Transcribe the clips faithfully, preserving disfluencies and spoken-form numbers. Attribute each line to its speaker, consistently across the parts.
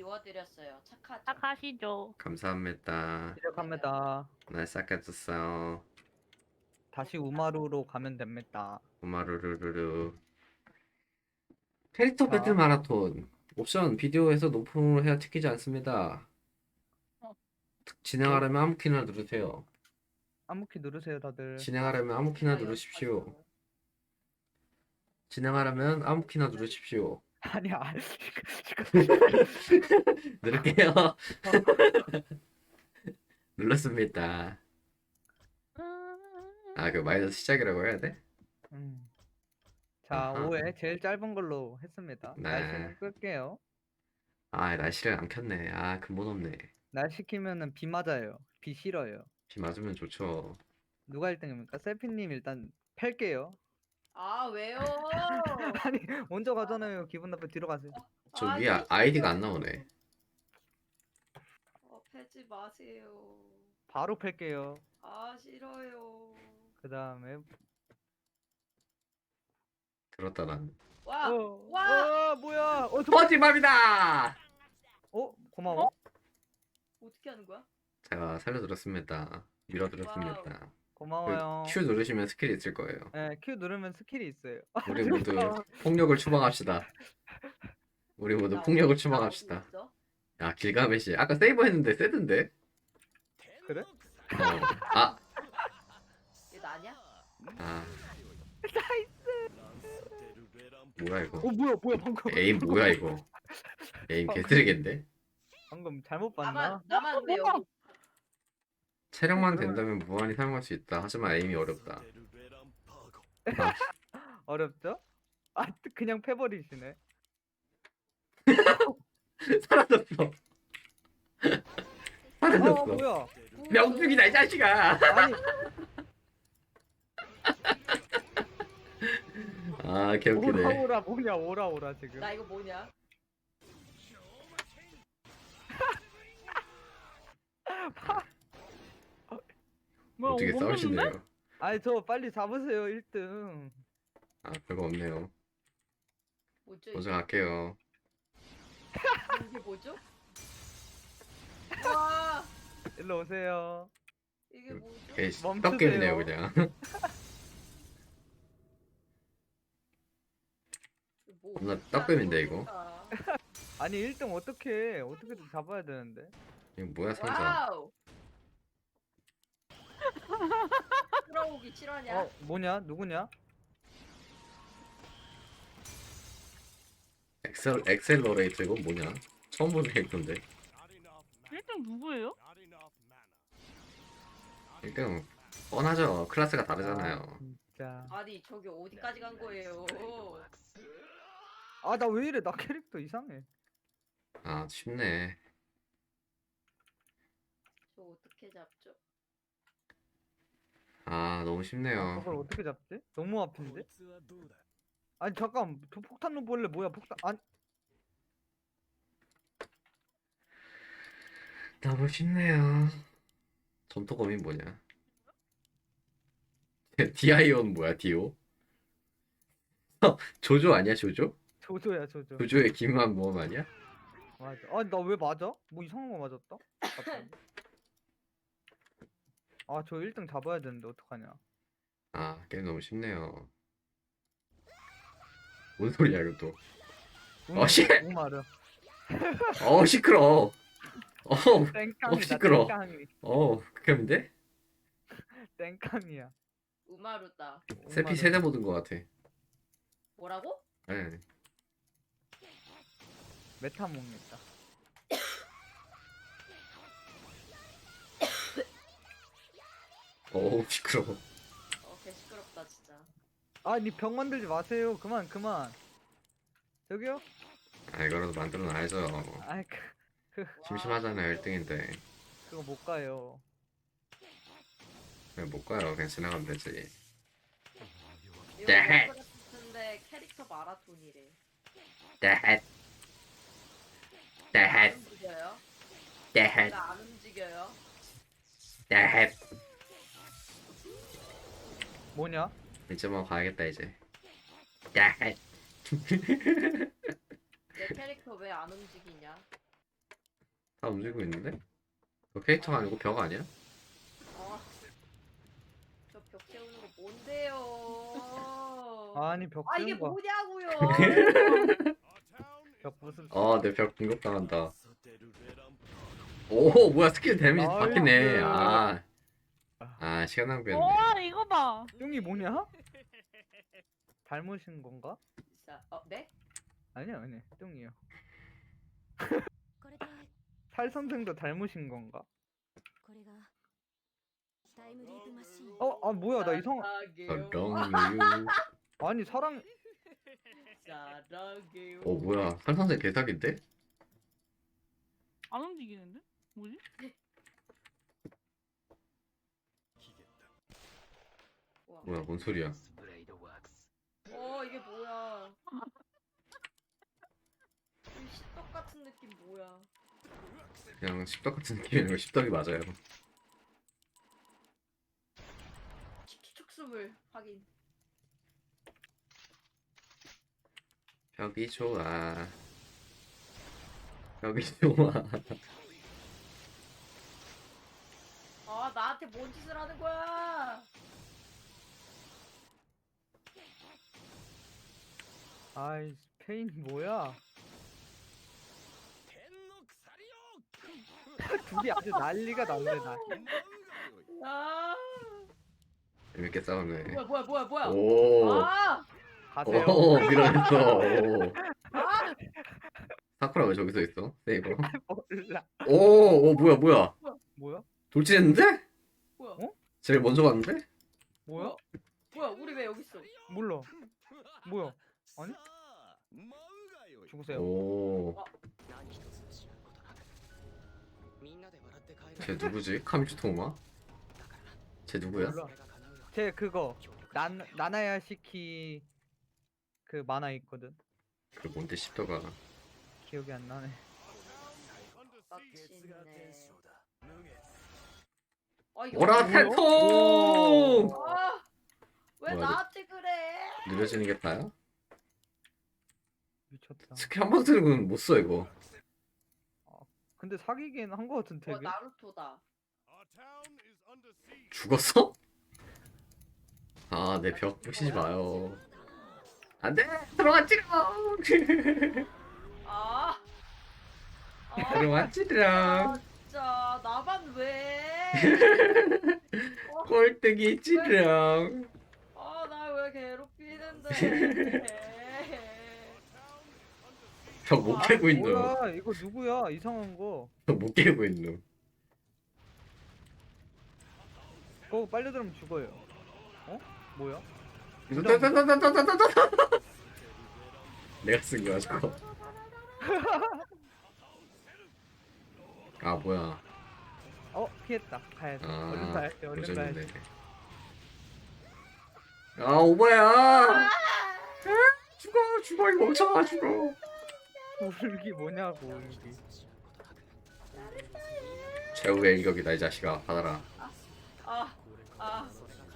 Speaker 1: 비워드렸어요. 착하죠?
Speaker 2: 착하시죠.
Speaker 3: 감사합니다.
Speaker 4: 시작합니다.
Speaker 3: 날 싹해줬어요.
Speaker 4: 다시 우마루로 가면 됩니다.
Speaker 3: 우마루루루루. 캐릭터
Speaker 4: 자.
Speaker 3: 배틀 마라톤. 옵션 비디오에서 높음으로 해야 찍히지 않습니다.
Speaker 2: 어.
Speaker 3: 진행하려면 아무 키나 누르세요.
Speaker 4: 아무 키 누르세요, 다들.
Speaker 3: 진행하려면 아무 키나 누르십시오. 진행하려면 아무 키나 누르십시오.
Speaker 4: 아니야.
Speaker 3: 누를게요. 눌렀습니다. 아, 그 마이너스 시작이라고 해야 돼?
Speaker 4: 음. 자,
Speaker 3: 아하.
Speaker 4: 오 회 제일 짧은 걸로 했습니다.
Speaker 3: 네.
Speaker 4: 날씨는 끌게요.
Speaker 3: 아, 날씨를 안 켰네. 아, 근본 없네.
Speaker 4: 날씨 키면은 비 맞아요. 비 싫어요.
Speaker 3: 비 맞으면 좋죠.
Speaker 4: 누가 일 등입니까? 세피님 일단 팰게요.
Speaker 1: 아 왜요?
Speaker 4: 아니, 먼저 가잖아요. 기분 나쁘 뒤로 가세요.
Speaker 3: 저
Speaker 1: 아니,
Speaker 3: 위에 아- 아이디가 안 나오네.
Speaker 1: 어, 패지 마세요.
Speaker 4: 바로 팰게요.
Speaker 1: 아 싫어요.
Speaker 4: 그 다음에
Speaker 3: 들었다 난.
Speaker 1: 와,
Speaker 4: 어,
Speaker 1: 와!
Speaker 4: 어, 뭐야? 어, 저...
Speaker 3: 퍼지밥이다!
Speaker 4: 어, 고마워.
Speaker 1: 어떻게 하는 거야?
Speaker 3: 제가 살려드렸습니다. 밀어드렸습니다.
Speaker 4: 고마워요.
Speaker 3: 그 Q 누르시면 스킬이 있을 거예요.
Speaker 4: 네, Q 누르면 스킬이 있어요.
Speaker 3: 우리 모두 폭력을 추방합시다. 우리 모두 폭력을 추방합시다. 야, 길가메시. 아까 세이버 했는데 세던데?
Speaker 4: 그래?
Speaker 3: 어. 아,
Speaker 1: 얘 나냐?
Speaker 3: 아. 뭐야 이거?
Speaker 4: 어, 뭐야, 뭐야, 방금.
Speaker 3: 에임 뭐야 이거? 에임 개쓰레기인데?
Speaker 4: 방금 잘못 봤나?
Speaker 1: 나만 나만 왜 여기?
Speaker 3: 체력만 된다면 무한히 사용할 수 있다. 하지만 에임이 어렵다.
Speaker 4: 어렵죠? 아, 그냥 패버리시네.
Speaker 3: 사라졌어.
Speaker 4: 아,
Speaker 3: 사라졌어.
Speaker 4: 뭐야?
Speaker 3: 명중이다 이 자식아.
Speaker 4: 아니,
Speaker 3: 아 개웃기네.
Speaker 4: 오라 오라 뭐냐? 오라 오라 지금.
Speaker 1: 나 이거 뭐냐?
Speaker 2: 뭐야,
Speaker 3: 어떻게
Speaker 2: 멈췄는데?
Speaker 3: 싸우시네요.
Speaker 4: 아니, 저 빨리 잡으세요, 일 등.
Speaker 3: 아 별거 없네요.
Speaker 1: 뭐죠?
Speaker 3: 먼저
Speaker 1: 이게?
Speaker 3: 갈게요.
Speaker 1: 이게 뭐죠? 와,
Speaker 4: 일로 오세요.
Speaker 1: 이게 뭐죠?
Speaker 3: 에이
Speaker 4: 멈추세요.
Speaker 3: 떡게임이네요 그냥.
Speaker 1: 뭐
Speaker 3: 겁나
Speaker 1: 어떻게
Speaker 3: 떡밥인데,
Speaker 1: 하는
Speaker 3: 이거?
Speaker 1: 거야?
Speaker 4: 아니, 일 등 어떻게 어떻게든 잡아야 되는데.
Speaker 3: 이거 뭐야 상자?
Speaker 1: 와우. 돌아오기 실화냐?
Speaker 4: 어, 뭐냐? 누구냐?
Speaker 3: 엑셀 엑셀러레이터 이거 뭐냐? 처음 보는 캐릭터인데.
Speaker 2: 일 등 누구예요?
Speaker 3: 일단 뻔하죠. 클래스가 다르잖아요.
Speaker 4: 아, 진짜.
Speaker 1: 아니 저기 어디까지 간 거예요?
Speaker 4: 아, 나 왜 이래? 나 캐릭터 이상해.
Speaker 3: 아 쉽네.
Speaker 1: 저 어떻게 잡죠?
Speaker 3: 아 너무
Speaker 4: 아,
Speaker 3: 쉽네요.
Speaker 4: 저걸 어떻게 잡지? 너무 앞인데? 아니, 잠깐. 저 폭탄로 볼래 뭐야? 폭탄. 아니,
Speaker 3: 너무 쉽네요. 전투검이 뭐냐? 디아이온 뭐야 디오? 조조 아니야 조조?
Speaker 4: 조조야, 조조.
Speaker 3: 조조의 기묘한 모험 아니야?
Speaker 4: 맞아. 아니, 나 왜 맞아? 뭐 이상한 거 맞았다? 갑자기. 아, 저 일 등 잡아야 되는데 어떡하냐?
Speaker 3: 아 게임 너무 쉽네요. 뭔 소리야 이것도? 어, 씨!
Speaker 4: 우마르.
Speaker 3: 어 시끄러. 어,
Speaker 4: 땡깡이다.
Speaker 3: 시끄러.
Speaker 4: 땡깡이.
Speaker 3: 어 극혐인데?
Speaker 4: 땡깡이야.
Speaker 1: 우마루다.
Speaker 3: 세피
Speaker 4: 우마르.
Speaker 3: 세대 보던 것 같아.
Speaker 1: 뭐라고?
Speaker 3: 네.
Speaker 4: 메타몽이다.
Speaker 3: 어우 시끄러워.
Speaker 1: 어, 개 시끄럽다 진짜.
Speaker 4: 아니, 병 만들지 마세요. 그만, 그만. 저기요?
Speaker 3: 아 이거라도 만들어 놔야죠.
Speaker 4: 아이, 그, 그,
Speaker 3: 심심하잖아요 일 등인데.
Speaker 4: 그거 못 가요.
Speaker 3: 그냥 못 가요. 그냥 지나가면 되지.
Speaker 1: 이거
Speaker 3: 네.
Speaker 1: 근데 캐릭터 마라톤이래.
Speaker 3: 데헷
Speaker 1: 안
Speaker 3: 데헷
Speaker 1: 움직여요?
Speaker 3: 데헷
Speaker 1: 나 안 움직여요?
Speaker 3: 데헷.
Speaker 4: 뭐냐?
Speaker 3: 이제 뭐 가야겠다 이제. 데헷.
Speaker 1: 내 캐릭터 왜 안 움직이냐?
Speaker 3: 다 움직이고 있는데? 저 캐릭터가 아니고 벽 아니야?
Speaker 1: 아, 저 벽 세우는 거 뭔데요?
Speaker 4: 아니 벽
Speaker 1: 아, 이게
Speaker 4: 세운 거.
Speaker 1: 뭐냐고요?
Speaker 4: 벽 부술.
Speaker 3: 어, 내 벽 공격당한다. 오, 뭐야, 스킬 데미지
Speaker 4: 나이스.
Speaker 3: 바뀌네. 아, 아, 시간 낭비했네.
Speaker 2: 와 이거 봐.
Speaker 4: 뚱이 뭐냐? 닮으신 건가?
Speaker 1: 자, 어, 네?
Speaker 4: 아니요 아니 뚱이요.
Speaker 5: これで
Speaker 4: 살 선생도 닮으신 건가?
Speaker 5: これがタイムリープマシーン
Speaker 4: 어, 아 뭐야 나 이상.
Speaker 1: 사랑해요.
Speaker 3: 덩유.
Speaker 4: 아니 사랑.
Speaker 1: 사랑해요.
Speaker 3: 오, 뭐야, 살선생 개사기인데?
Speaker 2: 안 움직이는데? 뭐지?
Speaker 1: 우와.
Speaker 3: 뭐야, 뭔 소리야?
Speaker 1: 어, 이게 뭐야? 이 십덕 같은 느낌 뭐야?
Speaker 3: 그냥 십덕 같은 느낌이 아니고 십덕이 맞아요.
Speaker 1: 키키 촉수물 확인.
Speaker 3: 벽이 좋아. 벽이 좋아.
Speaker 1: 아, 나한테 뭔 짓을 하는 거야?
Speaker 4: 아이 페인 뭐야? 둘이 아주 난리가 났네 나.
Speaker 1: 아,
Speaker 3: 재밌게 싸우네.
Speaker 1: 뭐야, 뭐야, 뭐야, 뭐야?
Speaker 3: 오,
Speaker 1: 아,
Speaker 4: 가세요.
Speaker 3: 오, 밀어냈어. 오.
Speaker 1: 아,
Speaker 3: 사쿠라 왜 저기서 있어? 세이버.
Speaker 4: 몰라.
Speaker 3: 오, 오, 뭐야, 뭐야.
Speaker 4: 뭐야?
Speaker 3: 돌진했는데?
Speaker 1: 뭐야?
Speaker 4: 어?
Speaker 3: 제일 먼저 갔는데?
Speaker 4: 뭐야?
Speaker 1: 뭐야, 우리 왜 여기 있어?
Speaker 4: 몰라. 뭐야? 아니? 죽으세요.
Speaker 3: 오, 쟤 누구지? 카미츠토마? 쟤 누구야?
Speaker 4: 몰라. 제 그거 난 나나야 시키 그 만화 있거든.
Speaker 3: 그 뭔데 십덕아.
Speaker 4: 기억이 안 나네.
Speaker 1: 빡치네. 아, 이거
Speaker 3: 오라
Speaker 1: 뭐야?
Speaker 3: 태통!
Speaker 1: 아, 왜
Speaker 3: 뭐야,
Speaker 1: 나한테 그래?
Speaker 3: 느려지는 게 다야?
Speaker 4: 미쳤다.
Speaker 3: 스킬 한 번 쓰는 건 못 써 이거.
Speaker 4: 근데 사귀긴 한 거 같은
Speaker 1: 어,
Speaker 4: 되게.
Speaker 1: 나루토다.
Speaker 3: 죽었어? 아, 내 벽 부시지 마요. 안 돼! 들어왔지롱!
Speaker 1: 아, 아,
Speaker 3: 들어왔지롱!
Speaker 1: 아, 진짜 나만 왜?
Speaker 3: 꼴뚜기 찌롱!
Speaker 1: 아, 나 왜 괴롭히는데?
Speaker 3: 벽 못 깨고 있노.
Speaker 4: 뭐야? 이거 누구야? 이상한 거.
Speaker 3: 벽 못 깨고 있노.
Speaker 4: 그거 빨리 들으면 죽어요. 어? 뭐야?
Speaker 3: 내가 쓴 거야 저거. 아 뭐야.
Speaker 4: 어 피했다. 가야지. 얼른
Speaker 3: 아
Speaker 4: 가야지. 얼른
Speaker 3: 도전이네.
Speaker 4: 가야지.
Speaker 3: 아 오바야. 아, 죽어 죽어 이 멍청아 죽어.
Speaker 4: 울기 뭐냐고 울기.
Speaker 3: 최후의 일격이다 이 자식아 받아라.
Speaker 1: 아, 아,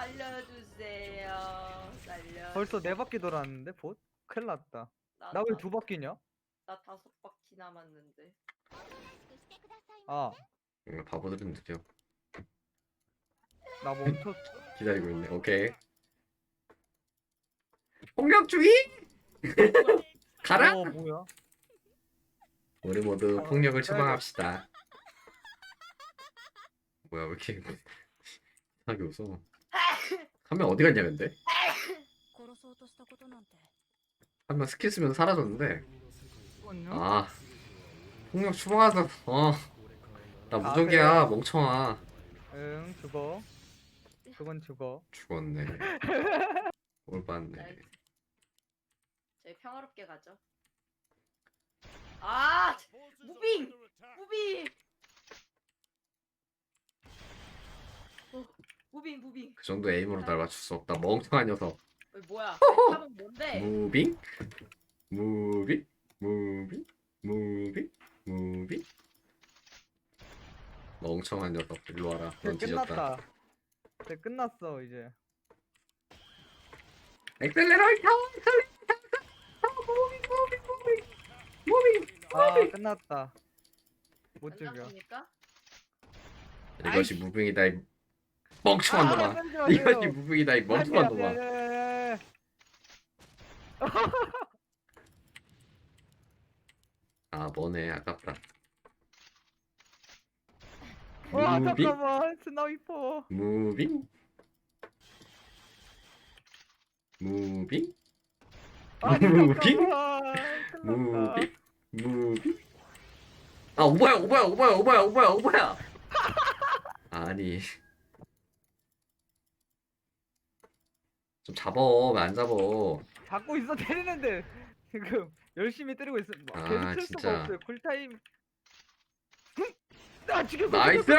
Speaker 1: 살려주세요. 살려.
Speaker 4: 벌써 네 바퀴 돌았는데 봇? 큰일 났다. 나 왜 두 바퀴냐?
Speaker 1: 나 다섯 바퀴 남았는데.
Speaker 4: 아,
Speaker 3: 응, 바보들은 느려.
Speaker 4: 나 멈췄어.
Speaker 3: 기다리고 있네. 오케이. 폭력주의? 가라.
Speaker 4: 어 뭐야?
Speaker 3: 우리 모두
Speaker 4: 어,
Speaker 3: 폭력을
Speaker 4: 그래야겠다.
Speaker 3: 처방합시다. 뭐야 왜 이렇게 이상하게 웃어. 한 명 어디 갔냐 근데?
Speaker 5: 殺そうとしたことなんて
Speaker 3: 한 명 스킬 쓰면 사라졌는데.
Speaker 4: 죽었냐?
Speaker 3: 아 폭력 추방하다. 어나
Speaker 4: 아,
Speaker 3: 무적이야
Speaker 4: 그래?
Speaker 3: 멍청아.
Speaker 4: 응 죽어. 그건 죽어.
Speaker 3: 죽었네. 올봤네.
Speaker 1: 나이스. 저희 평화롭게 가죠. 아, 무빙, 무빙. 어, 무빙, 무빙.
Speaker 3: 그 정도 에임으로 날 맞출 수 없다. 멍청한 녀석.
Speaker 1: 어, 뭐야? 탑은 뭔데?
Speaker 3: 무빙? 무빙? 무빙? 무빙? 무빙? 멍청한 녀석. 일로 와라.
Speaker 4: 이제
Speaker 3: 넌 뒤졌다.
Speaker 4: 끝났다. 이제 끝났어 이제.
Speaker 3: 엑셀레러이터! 무빙 무빙 무빙 무빙
Speaker 4: 아
Speaker 3: 무빙
Speaker 4: 끝났다. 못
Speaker 1: 안
Speaker 4: 죽여.
Speaker 1: 잡힙니까?
Speaker 3: 이것이 무빙이다 이 멍청한 놈아.
Speaker 4: 때리지 마세요.
Speaker 3: 이것이 무빙이다 이 멍청한
Speaker 4: 아니,
Speaker 3: 놈아.
Speaker 4: 아니, 아니, 아니.
Speaker 3: 아 뭐네 아깝다.
Speaker 4: 와
Speaker 3: 무빙
Speaker 4: 잠깐만 스나이퍼.
Speaker 3: 무빙 무빙
Speaker 4: 아니
Speaker 3: 무빙
Speaker 4: 잠깐만. 큰일 났다.
Speaker 3: 무빙 무빙 아 오바야 오바야 오바야 오바야 오바야 오바야 아니 좀 잡어 왜 안 잡어.
Speaker 4: 잡고 있어 때리는데 지금 열심히 때리고 있어. 뭐,
Speaker 3: 아,
Speaker 4: 계속 칠
Speaker 3: 진짜.
Speaker 4: 수가 없어요. 쿨타임. 나 지금
Speaker 3: 나이스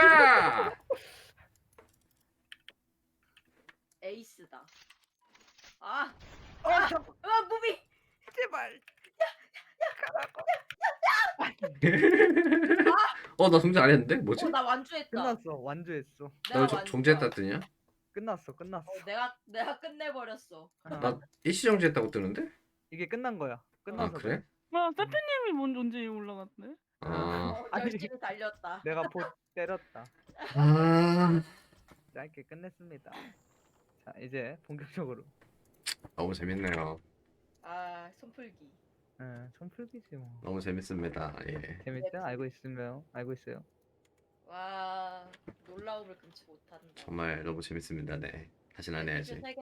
Speaker 1: 에이스다. 아,
Speaker 4: 어 잠깐
Speaker 1: 아 무빙.
Speaker 4: 제발.
Speaker 3: 어 나 성장 안 했는데 뭐지?
Speaker 1: 어, 나 완주했다.
Speaker 4: 끝났어. 완주했어.
Speaker 1: 내가
Speaker 3: 나 저-
Speaker 1: 완주다.
Speaker 3: 정지했다 뜨냐?
Speaker 4: 끝났어. 끝났어.
Speaker 1: 어, 내가 내가 끝내버렸어.
Speaker 4: 아,
Speaker 3: 나 일시 정지했다고 뜨는데?
Speaker 4: 이게 끝난 거야.
Speaker 3: 아
Speaker 4: 끝나서
Speaker 3: 그래?
Speaker 2: 야 세트님이 먼저 언제 올라갔네?
Speaker 3: 아,
Speaker 1: 어,
Speaker 4: 아니.
Speaker 1: 열심히 달렸다.
Speaker 4: 내가 보 때렸다.
Speaker 3: 아
Speaker 4: 짧게 끝냈습니다. 자 이제 본격적으로.
Speaker 3: 너무 재밌네요.
Speaker 1: 아, 손풀기.
Speaker 4: 응, 손풀기지 뭐.
Speaker 3: 너무 재밌습니다. 예.
Speaker 4: 재밌죠? 알고 있으면 알고 있어요.
Speaker 1: 와, 놀라움을 금치 못한다.
Speaker 3: 정말 너무 재밌습니다. 네. 다시는 안 해야지.
Speaker 1: 세